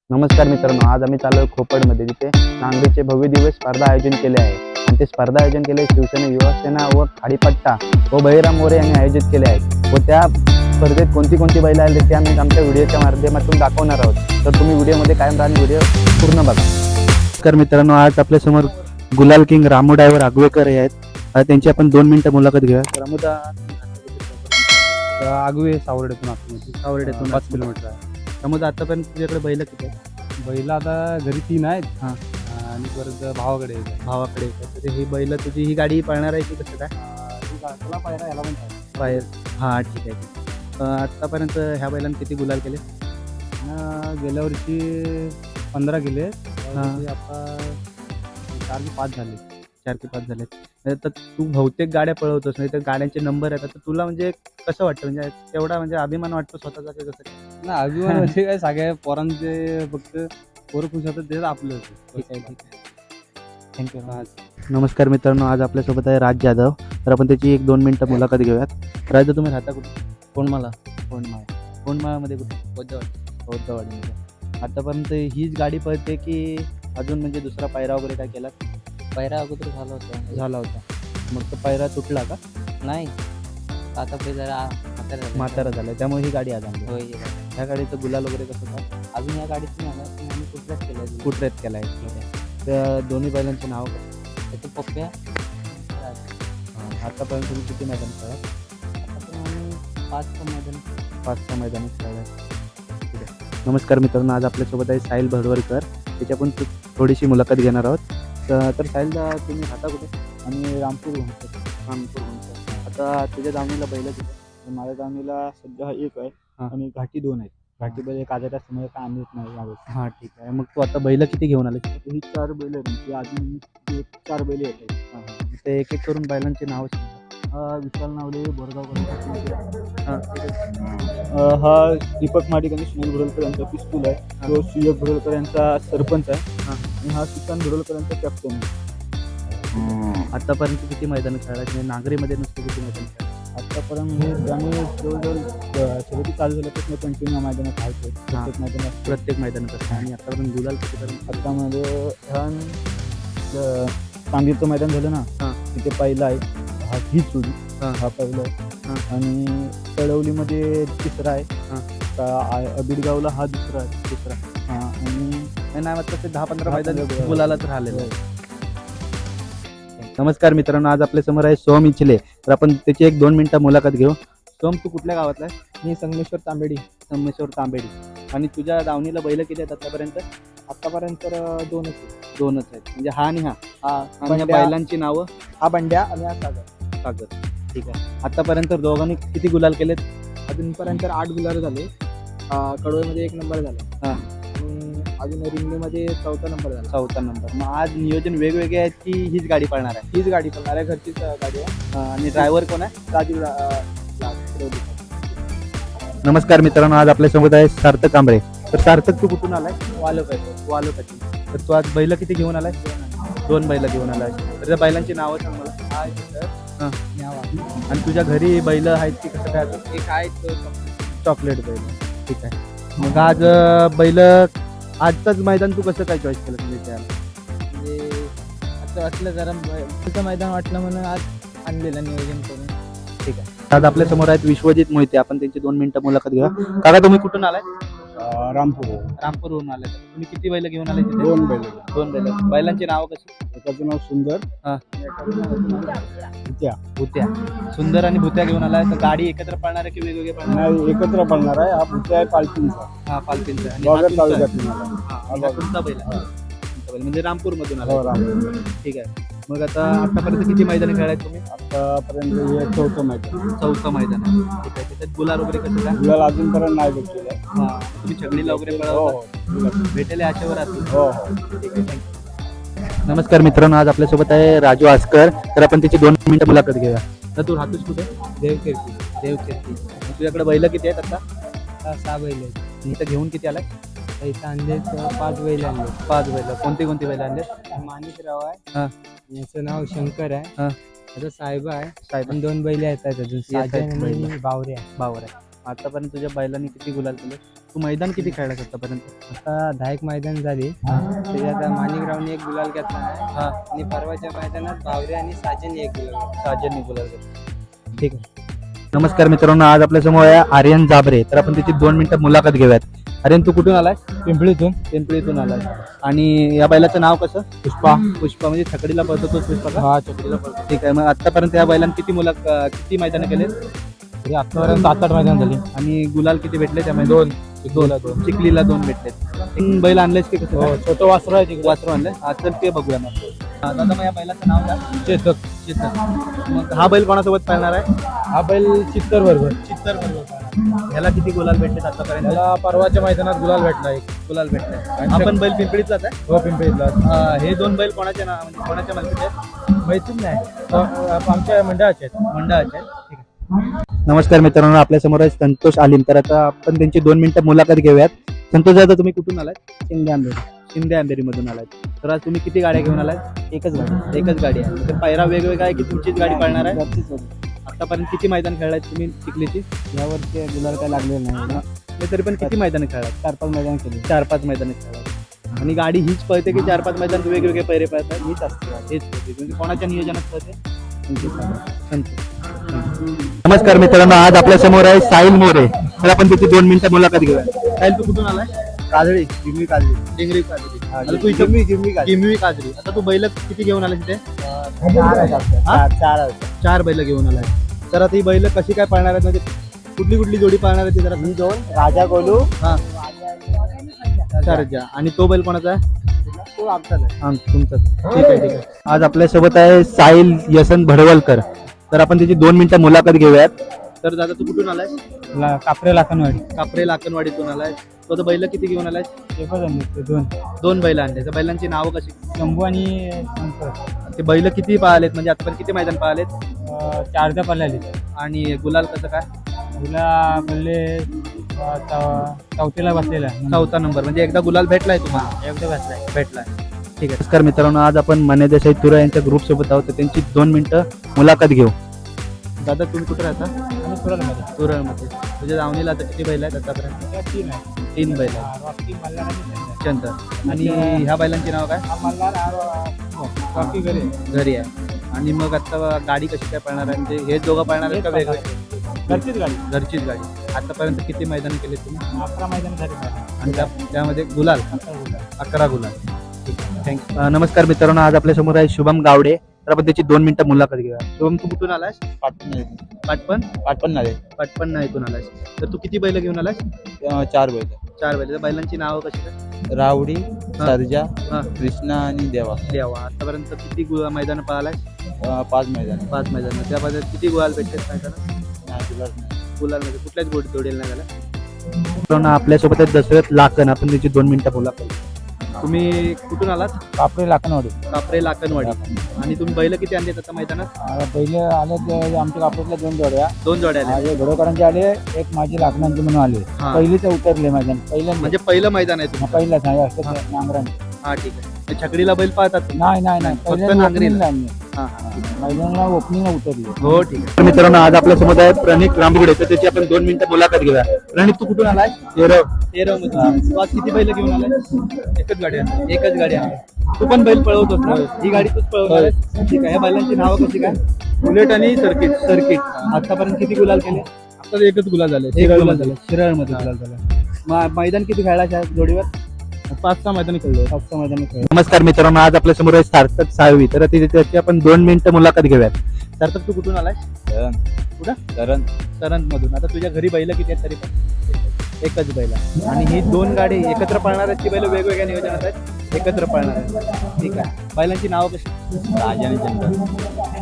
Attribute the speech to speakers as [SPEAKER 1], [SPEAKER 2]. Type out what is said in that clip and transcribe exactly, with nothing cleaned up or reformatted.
[SPEAKER 1] नमस्कार मित्रांनो, आज आम्ही चालू खोपडमध्ये, तिथे नांगरीचे भव्य दिवस स्पर्धा आयोजन केले आहे. आणि ते स्पर्धा आयोजन केले शिवसेना युवासेना व खाडीपट्टा व बहिराम मोरे यांनी आयोजित केले आहे. व त्या स्पर्धेत कोणती कोणती बैल आले ते आम्ही आमच्या व्हिडिओच्या माध्यमातून दाखवणार आहोत. तर तुम्ही व्हिडिओमध्ये कायम राहून व्हिडिओ पूर्ण बघा. नमस्कार मित्रांनो, आज आपल्यासमोर गुलाल किंग रामू ड्रायव्हर आगवेकर हे आहेत. आज त्यांची आपण दोन मिनिटं मुलाखत घेऊया. रामूदा
[SPEAKER 2] आगवे सावर्डेतून आतमध्ये
[SPEAKER 1] सावर्डेतून
[SPEAKER 2] पाच किलोमीटर आहे.
[SPEAKER 1] त्यामुळे आतापर्यंत तुझ्याकडे बैल किती आहेत?
[SPEAKER 2] बैल आता घरी तीन आहेत.
[SPEAKER 1] हां.
[SPEAKER 2] आणि परत भावाकडे एक आहे.
[SPEAKER 1] भावाकडे येतात. तर ही बैल तुझी ही गाडी पळणार आहे की कसं काय?
[SPEAKER 2] अं, ही गा- त्याला पायरा याला पण पाहिजे.
[SPEAKER 1] बाहेर हां ठीक आहे. अं, आत्तापर्यंत ह्या बैलांनी किती गुलाल केले?
[SPEAKER 2] आणि गेल्या वर्षी पंधरा केले.
[SPEAKER 1] हां.
[SPEAKER 2] आता चार की पाच झाले.
[SPEAKER 1] चार ते पाच झाले. तर तू बहुतेक गाड्या पळवतोस, नाही तर गाड्यांचे नंबर येतात. तर तुला म्हणजे कसं वाटतं, म्हणजे तेवढा म्हणजे अभिमान वाटतो स्वतःचा की कसं काय?
[SPEAKER 2] ना अभिमान म्हणजे काय सगळ्या पोरांचे फक्त पोरं खुश होतात तेच आपलं होतं.
[SPEAKER 1] ठीक आहे ठीक आहे थँक्यू. नमस्कार मित्रांनो, आज आपल्यासोबत आहे राज जाधव. तर आपण त्याची एक दोन मिनिटं मुलाखत घेऊयात. राज, तुम्ही राहता कुठे?
[SPEAKER 2] कोणमाला
[SPEAKER 1] कोंडमाळ. कोंडमाळामध्ये कुठे?
[SPEAKER 2] बौद्धवाडी.
[SPEAKER 1] बौद्धवाडीमध्ये. आतापर्यंत हीच गाडी पळते की अजून म्हणजे दुसरा पायरा वगैरे काय केला?
[SPEAKER 3] पायरा अगोदर झाला होता.
[SPEAKER 1] झाला होता. मग तो पायरा तुटला का?
[SPEAKER 3] नाही आता पहिले जरा म्हातारा झाला.
[SPEAKER 1] म्हातारा झाला, त्यामुळे ही गाडी आज आणली.
[SPEAKER 3] होय
[SPEAKER 1] ह्या गाडीचं गुलाल वगैरे कसं काय?
[SPEAKER 3] अजून या गाडीत नाही आला पण आम्ही कुठलाच केला
[SPEAKER 1] कुठरेत केला आहे? त्या दोन्ही बैलांचे नाव कसं?
[SPEAKER 3] त्याचं पप्प्या
[SPEAKER 1] आतापर्यंत तुम्ही किती मैदान खेळा?
[SPEAKER 3] आता पण आम्ही पाच पण मैदान
[SPEAKER 1] पाच सहा मैदानात खेळला. नमस्कार मित्रांनो, आज आपल्यासोबत आहे साहिल भडवलकर. त्याची आपण थो- थोडीशी मुलाखत घेणार आहोत. तर तर साहिलदा, तुम्ही राहता कुठे?
[SPEAKER 2] आणि रामपूर घुमतो.
[SPEAKER 1] रामपूर म्हणतो. आता तुझ्या दावणीला बैल किती?
[SPEAKER 2] माझ्या दावणीला सध्या एक आहे.
[SPEAKER 1] हां.
[SPEAKER 2] आणि घाटी दोन आहेत. घाटी बैल एक आजारा समोर काय आणत नाही यावेळेस.
[SPEAKER 1] हां ठीक आहे. मग तू आता बैल किती घेऊन आले?
[SPEAKER 2] ही चार बैल आहेत. ती अजून एक चार बैल येत आहेत.
[SPEAKER 1] ते एक एक करून बैलांची नावं सांगा.
[SPEAKER 2] विशाल नावले बोरगावकर.
[SPEAKER 1] हां
[SPEAKER 2] हा दीपक माडिक आणि सुनील भुरलकर यांचा पिस्तूल आहे. तो सुयोग भुरलकर यांचा सरपंच आहे.
[SPEAKER 1] हां.
[SPEAKER 2] आणि हा सुशांत भुरलकर यांचा कॅप्टन आहे.
[SPEAKER 1] आतापर्यंत किती मैदान खेळला? म्हणजे नागरीमध्ये नुसतं किती मैदान खेळला?
[SPEAKER 2] आतापर्यंत हे आम्ही जवळजवळ शर्यती चालू झाल्यापासून कंटिन्यू मैदानात आहे. प्रत्येक मैदानात
[SPEAKER 1] प्रत्येक मैदानात असतं. आणि आतापर्यंत गुलाल कितीपर्यंत?
[SPEAKER 2] आतामध्ये ह्या चांदीचं मैदान झालं ना,
[SPEAKER 1] हां.
[SPEAKER 2] तिथे पहिला आहे. हा ही चुडी
[SPEAKER 1] हां.
[SPEAKER 2] हा पहिला आहे.
[SPEAKER 1] हां.
[SPEAKER 2] आणि तळवलीमध्ये तिसरा आहे.
[SPEAKER 1] हां.
[SPEAKER 2] का- आ- अबिडगावला हा दुसरा आहे.
[SPEAKER 1] दुसरा.
[SPEAKER 2] हा आणि
[SPEAKER 1] नाही नाही वाटतं ते दहा पंधरा
[SPEAKER 2] दहा
[SPEAKER 1] मैदान
[SPEAKER 2] पंधरा
[SPEAKER 1] गुलालाच राहिलेलं आहे. नमस्कार मित्रांनो, आज आपल्या समोर आहे सोम इचले. तर आपण त्याची एक दोन मिनिटं मुलाखत घेऊ. सोम, तू कुठल्या गावातला आहे?
[SPEAKER 2] मी संगमेश्वर तांबेडी.
[SPEAKER 1] संगमेश्वर तांबेडी. आणि तुझ्या दावणीला बैल किती आहेत आतापर्यंत?
[SPEAKER 2] आतापर्यंत तर दोनच आहे.
[SPEAKER 1] दोनच आहेत. म्हणजे हा आणि हा
[SPEAKER 2] हा
[SPEAKER 1] आणि या
[SPEAKER 2] बंड्या-
[SPEAKER 1] बैलांची नावं?
[SPEAKER 2] हा बंड्या आणि हा सागर.
[SPEAKER 1] सागर. ठीक आहे. आतापर्यंत दोघांनी किती गुलाल केलेत?
[SPEAKER 2] अजूनपर्यंत आठ गुलार झाले. आ, कडोळमध्ये एक नंबर झाला.
[SPEAKER 1] हां.
[SPEAKER 2] आणि अजून रिंगणीमध्ये चौथा नंबर झाला.
[SPEAKER 1] चौथा नंबर. मग आज नियोजन वेगवेगळे आहेत की हीच गाडी पळणार आहे?
[SPEAKER 2] हीच गाडी पळणार आहे. घरचीच अ, गाडी आहे.
[SPEAKER 1] अं, आणि ड्रायव्हर कोण आहे?
[SPEAKER 2] राजीव रा- अ, ला- शिरोली.
[SPEAKER 1] नमस्कार मित्रांनो, आज आपल्यासोबत आहे सार्थक कांबळे. तर सार्थक, तू कुठून आलाय?
[SPEAKER 2] वालक आहे तो.
[SPEAKER 1] वालोकाची. तर तू आज बैल किती घेऊन आलाय? दोन बैल घेऊन आलाय. तर त्या बैलांची नावं सांग मला.
[SPEAKER 2] हा आहे तिथं.
[SPEAKER 1] हां.
[SPEAKER 2] न्यावा.
[SPEAKER 1] आणि तुझ्या घरी बैल आहेत की कसं काय? अजून
[SPEAKER 2] एक आहे तो
[SPEAKER 1] चॉकलेट बैल. ठीक आहे. मग आज अं, बैल आजचंच मैदान तू कसं काय चॉईस केलं तुम्ही त्याला?
[SPEAKER 2] म्हणजे असं वाटलं जरा ब- मैदान वाटलं म्हणून आज आणलेलं नियोजन करून.
[SPEAKER 1] ठीक आहे. आज आपल्या समोर आहेत विश्वजित मोहिते. आपण त्यांची दोन मिनिटं मुलाखत घेऊया. काका, तुम्ही कुठून आलाय?
[SPEAKER 2] रामपूर.
[SPEAKER 1] रामपूरवरून आलाय. तुम्ही किती बैल घेऊन आलाय तिथे?
[SPEAKER 2] दोन बैल.
[SPEAKER 1] दोन बैल. बैलांची नावं कशी?
[SPEAKER 2] एकाचं नाव सुंदर.
[SPEAKER 1] हां.
[SPEAKER 2] भुत्या.
[SPEAKER 1] भुत्या. सुंदर आणि भुत्या घेऊन आलाय. तर गाडी एकत्र पळणार आहे की वेगवेगळे पळणार आहे?
[SPEAKER 2] नाही, एकत्र पडणार आहे. हा भुत्या आहे पालखींचा.
[SPEAKER 1] हा, पालखींचा. आणि हा
[SPEAKER 2] बागर
[SPEAKER 1] तुमचा आहे?
[SPEAKER 2] तालुक्यातून आला.
[SPEAKER 1] हा, आणि हा तुमचा बैल आहे. तुमचा बैल म्हणजे रामपूर मधून
[SPEAKER 2] हो,
[SPEAKER 1] आला.
[SPEAKER 2] रामपूर.
[SPEAKER 1] ठीक आहे. मग आता आतापर्यंत किती मैदान खेळाय तुम्ही?
[SPEAKER 2] आतापर्यंत हे चौथं मैदान.
[SPEAKER 1] चौथं मैदान आहे. ठीक आहे. त्याच्यात गुलाल वगैरे कसं काय?
[SPEAKER 2] गुलाल अजूनपर्यंत नाही भेटलेलं आहे.
[SPEAKER 1] हा, तुम्ही छगडीला वगैरे
[SPEAKER 2] हो
[SPEAKER 1] पळवता?
[SPEAKER 2] हो
[SPEAKER 1] भेटेल आशेवर असतील.
[SPEAKER 2] हो हो.
[SPEAKER 1] ठीक आहे. थँक्यू. नमस्कार मित्रांनो, आज आपल्यासोबत आहे राजू आस्कर. तर आपण त्याची दोन मिनिटं मुलाखत घेऊया. तर तू राहतोस कुठे?
[SPEAKER 2] देवकीर्ती.
[SPEAKER 1] देवकीर्ती. मग तुझ्याकडे बैल किती आहेत आता?
[SPEAKER 2] हा, सहा बैल आहेत.
[SPEAKER 1] इथं घेऊन किती आलाय?
[SPEAKER 2] इथं आणले पाच बैल आणले.
[SPEAKER 1] पाच बैल. कोणती कोणती बैल आणले?
[SPEAKER 2] माणिकराव आहे.
[SPEAKER 1] हां.
[SPEAKER 2] याचं नाव शंकर आहे.
[SPEAKER 1] हां.
[SPEAKER 2] आता साहेब आहे.
[SPEAKER 1] साहेब
[SPEAKER 2] आणि दोन बैल आहेत अजून.
[SPEAKER 1] आहेत
[SPEAKER 2] साजन
[SPEAKER 1] बैल.
[SPEAKER 2] आणि बावरे आहे.
[SPEAKER 1] बावर आहे. आतापर्यंत तुझ्या बैलांनी किती गुलाल केले? तू मैदान किती खेळलास आतापर्यंत?
[SPEAKER 3] आता दहा एक मैदान झाली त्याच्यात माणिकरावने एक गुलाल घेतला आहे
[SPEAKER 1] हा
[SPEAKER 3] आणि परवाच्या मैदानात बावरे आणि साजनने एक गुलाल घेतला.
[SPEAKER 1] साजन गुलाल घेतला. ठीक आहे. नमस्कार मित्रांनो, आज आपल्या समोर आहे आर्यन जाबरे. तर आपण त्याची दोन मिनिटं मुलाखत घेऊयात. आर्यन, तू कुठून आलाय?
[SPEAKER 2] पिंपळीतून.
[SPEAKER 1] पिंपळीतून आलाय. आणि या बैलाचं नाव कसं? पुष्पा. पुष्पा म्हणजे छकडीला पळतो तोच पुष्पा का?
[SPEAKER 2] हा चकडीला पडतो.
[SPEAKER 1] ठीक आहे. मग आतापर्यंत या बैलांना किती मुला किती मैदानं केले
[SPEAKER 2] तरी आतापर्यंत सात आठ मैदान झाली.
[SPEAKER 1] आणि गुलाल किती भेटले त्यामध्ये?
[SPEAKER 2] दोन.
[SPEAKER 1] दोन दोन चिखलीला दोन भेटले. तीन बैल आणलेस की कसं?
[SPEAKER 2] हो, छोटं वासरू आहे तिकडे.
[SPEAKER 1] वासरू आणले. हा, चल ते बघूया मग. हा, दादा, मग या बैलाचं नाव काय?
[SPEAKER 2] चेतक.
[SPEAKER 1] चित्तर. मग हा बैल कोणासोबत पळणार आहे?
[SPEAKER 2] हा बैल चित्तर बरोबर.
[SPEAKER 1] चित्तर बरोबर. ह्याला किती गुलाल भेटले आतापर्यंत?
[SPEAKER 2] त्याला परवाच्या मैदानात गुलाल भेटला एक.
[SPEAKER 1] गुलाल भेटले. आपण बैल पिंपळीतलाच आहे.
[SPEAKER 2] हो पिंपळीतला.
[SPEAKER 1] अं, हे दोन बैल कोणाच्या नाव म्हणजे कोणाच्या मालकीचे आहेत?
[SPEAKER 2] माहितीच नाही. अ, आमच्या मंडळाचे आहेत.
[SPEAKER 1] मंडळाचे आहेत. ठीक आहे. नमस्कार मित्रांनो, आपल्या समोर आहे संतोष आलिम. तर आता आपण त्यांची दोन मिनिटं मुलाखत घेऊयात. संतोष दादा, तुम्ही कुठून आलात?
[SPEAKER 3] शिंदे आंबेड.
[SPEAKER 1] शिंदे अंधेरी मधून आलात. तर आज तुम्ही किती गाड्या घेऊन आलात?
[SPEAKER 3] एकच गाडी.
[SPEAKER 1] एकच गाडी आहे. तर पायरा वेगवेगळा आहे की तुमचीच गाडी पळणार आहे?
[SPEAKER 3] घरचीच गाडी.
[SPEAKER 1] आतापर्यंत किती मैदान खेळलाय तुम्ही चिखलीची?
[SPEAKER 3] यावरती गुलाल काय लागले नाही.
[SPEAKER 1] नाही, तरी पण किती मैदान खेळलात?
[SPEAKER 3] चार पाच मैदान केली.
[SPEAKER 1] चार पाच मैदान खेळलात. आणि गाडी हीच पळते की चार पाच मैदान वेगवेगळे पैरे पळतात?
[SPEAKER 3] हीच असते गाडी.
[SPEAKER 1] हेच पळते. म्हणजे कोणाच्या नियोजनात पळते?
[SPEAKER 3] तुमची सांगा.
[SPEAKER 1] नमस्कार मित्रांनो, आज आपल्या समोर आहे साहिल मोरे. तर आपण तिथे दोन मिनिटं मुलाखत घेऊया. साहिल, तू कुठून आलाय?
[SPEAKER 3] काजळी. जिमली काजळी.
[SPEAKER 1] डिंगरी काजरी.
[SPEAKER 3] हा,
[SPEAKER 1] आता तू इथं
[SPEAKER 3] जिमली जिमली काजळी.
[SPEAKER 1] किमवी काजरी. आता तू बैल किती घेऊन आलाय तिथे?
[SPEAKER 3] चार आहेत आपल्या.
[SPEAKER 1] हा?
[SPEAKER 3] चार चार आहेत.
[SPEAKER 1] चार बैल घेऊन आलाय. तर आता ही बैल कशी काय पाळणार आहेत? म्हणजे कुठली कुठली जोडी पाळणार आहे ती जरा?
[SPEAKER 3] ही दोन राजा गोलू.
[SPEAKER 1] हा, सरजा. आणि तो बैल कोणाचा आहे?
[SPEAKER 3] तो आमचाच आहे.
[SPEAKER 1] हा, तुमचा. ठीक आहे, ठीक आहे. आज आपल्यासोबत आहे साहिल यसन भडवलकर. तर आपण त्याची दोन मिनिटं मुलाखत घेऊयात. तर दादा, तू कुठून आलाय?
[SPEAKER 2] ला- कापरे लाखनवाडी.
[SPEAKER 1] कापरे लाकणवाडीतून आलाय. तो आता बैल किती घेऊन आलाय?
[SPEAKER 2] एकच आणले ते दोन.
[SPEAKER 1] दोन बैल आणले. त्या बैलांची नावं कशी?
[SPEAKER 2] शंभू आणि शंकर.
[SPEAKER 1] ते बैल किती पाहिलेत? म्हणजे आतापर्यंत किती मैदान पाहिलेत?
[SPEAKER 2] अ, चारच्या पल्ल्याली.
[SPEAKER 1] आणि गुलाल कसं काय?
[SPEAKER 2] तुला बोलले अ, चौ- चौथीला बसलेला आहे.
[SPEAKER 1] चौथा नंबर. म्हणजे एकदा गुलाल भेटलाय तुम्हाला?
[SPEAKER 2] एकदा बसलाय.
[SPEAKER 1] भेटलाय. ठीक आहे. नमस्कार मित्रांनो, आज आपण मने देसाई तुरा यांच्या ग्रुप सोबत आहोत. तर त्यांची दोन मिनिटं मुलाखत घेऊ. दादा, तुम्ही कुठे राहता?
[SPEAKER 2] आणि सुरलमध्ये.
[SPEAKER 1] तुरळमध्ये. तुझ्या दावणीला आता किती बैल आहेत आतापर्यंत?
[SPEAKER 2] त्या तीन आहे.
[SPEAKER 1] तीन बैल आहेत.
[SPEAKER 2] हा, रॉकी, मल्हार आणि चंदन.
[SPEAKER 1] चंदर. आणि ह्या बैलांची नाव काय?
[SPEAKER 2] हा मल्हार, हा रॉ- रॉकी घरी आहे.
[SPEAKER 1] घरी आहे. आणि मग आता गाडी कशी काय पळणार आहे? म्हणजे हे दोघं पळणार आहेत का वेगळे?
[SPEAKER 2] घरचीच गाडी.
[SPEAKER 1] घरचीच गाडी. आतापर्यंत किती मैदान केले तुम्ही?
[SPEAKER 2] अकरा मैदान झाली माझी.
[SPEAKER 1] आणि त्या त्यामध्ये गुलाल
[SPEAKER 2] अकरा गुलाल.
[SPEAKER 1] अकरा गुलाल. ठीक आहे, थँक्यू. नमस्कार मित्रांनो, आज आपल्या समोर आहे शुभम गावडे. तर आपण त्याची दोन मिनिटं मुलाखत घेऊया. शुभम, तू कुठून आलास?
[SPEAKER 2] पाटण
[SPEAKER 1] पाटपण.
[SPEAKER 2] पाटण झाले.
[SPEAKER 1] पाटपण इथून आलास. तर तू किती बैल घेऊन आलास?
[SPEAKER 2] चार बैल.
[SPEAKER 1] चार बैल. त्या बैलांची नावं कशी काय?
[SPEAKER 2] रावडी, सर्जा,
[SPEAKER 1] हा.
[SPEAKER 2] कृष्णा आणि देवा.
[SPEAKER 1] देवा. आतापर्यंत किती गु मैदान पळालाय?
[SPEAKER 2] अ, पाच मैदान.
[SPEAKER 1] पाच मैदान. त्यामध्ये किती गुलाल भेटले मैदानात?
[SPEAKER 2] नाही, गुलाल नाही.
[SPEAKER 1] गुलाल म्हणजे कुठल्याच गोडी जोडेल नाही झाला. आपल्यासोबत आहे दशरथ लाकण. आपण त्याची दोन मिनिटं मुलाखत. तुम्ही कुठून आलात?
[SPEAKER 2] कापरे लाखनवाडी.
[SPEAKER 1] कापरे लाकणवाडी. आणि तुम्ही बैल किती आणलेत आता मैदानात?
[SPEAKER 2] पहिले आले ते आमच्या कापरेतल्या दोन जोड्या.
[SPEAKER 1] दोन जोड्या आल्या.
[SPEAKER 2] माझे घोडकरांचे आले, एक माझी लाखनांचे म्हणून आले.
[SPEAKER 1] हा.
[SPEAKER 2] पहिलेच उतरले मैदान. पहिल्यांदा
[SPEAKER 1] म्हणजे पहिलं मैदान आहे तुमचं?
[SPEAKER 2] पहिलाच नाही असं नांगराने.
[SPEAKER 1] हा, ठीक आहे. म्हणजे छकडीला बैल पाहतात तुम्ही?
[SPEAKER 2] नाही नाही नाही
[SPEAKER 1] फक्त
[SPEAKER 2] पहिल्यांदा
[SPEAKER 1] नांगरीला.
[SPEAKER 2] opening ला आणले.
[SPEAKER 1] हा, हा.
[SPEAKER 2] मैदानाला ओपनिंगला उतरले.
[SPEAKER 1] हो, ठीक आहे. मित्रांनो, आज आपल्यासोबत आहे प्रणित रामगुडे. तर त्याची आपण दोन मिनिटं मुलाखत घेऊया. प्रणित, तू कुठून आलाय? तेरव. तेरव मध्ये. तू आज किती बैल घेऊन आलाय? एकच गाडी आहे. एकच गाडी आहे. तू पण बैल पळवतोस ना? ही गाडी तूच पळवणार आहेस? ठीक आहे. या बैलांची नावं कशी काय? बुलेट आणि सर्किट. सर्किट. आतापर्यंत किती गुलाल केले?
[SPEAKER 2] आता एकच गुलाल झाले.
[SPEAKER 1] एक गुलाल झालं. शिराळमध्ये गुलाल झाला. मैदान किती खेळायच्या जोडीवर?
[SPEAKER 2] पाच सहा मैदान खेळलो.
[SPEAKER 1] पाच सहा मैदान खेळ. नमस्कार मित्रांनो, आज आपल्या समोर आहे सार्थक साळवी. तर ती- त्याची आपण दोन मिनिटं मुलाखत घेऊयात. सार्थक, तू कुठून आलाय? कुठं?
[SPEAKER 2] कारण
[SPEAKER 1] करंज मधून. आता तुझ्या घरी बैल किती आहेत तरी पण? एकच बैल आहे. आणि ही दोन गाडी एकत्र पळणार आहेत की बैल वेगवेगळ्या नियोजनात आहेत? एकत्र पळणार आहेत. ठीक आहे. बैलांची नावं कशी?
[SPEAKER 2] राजा आणि चंद्र.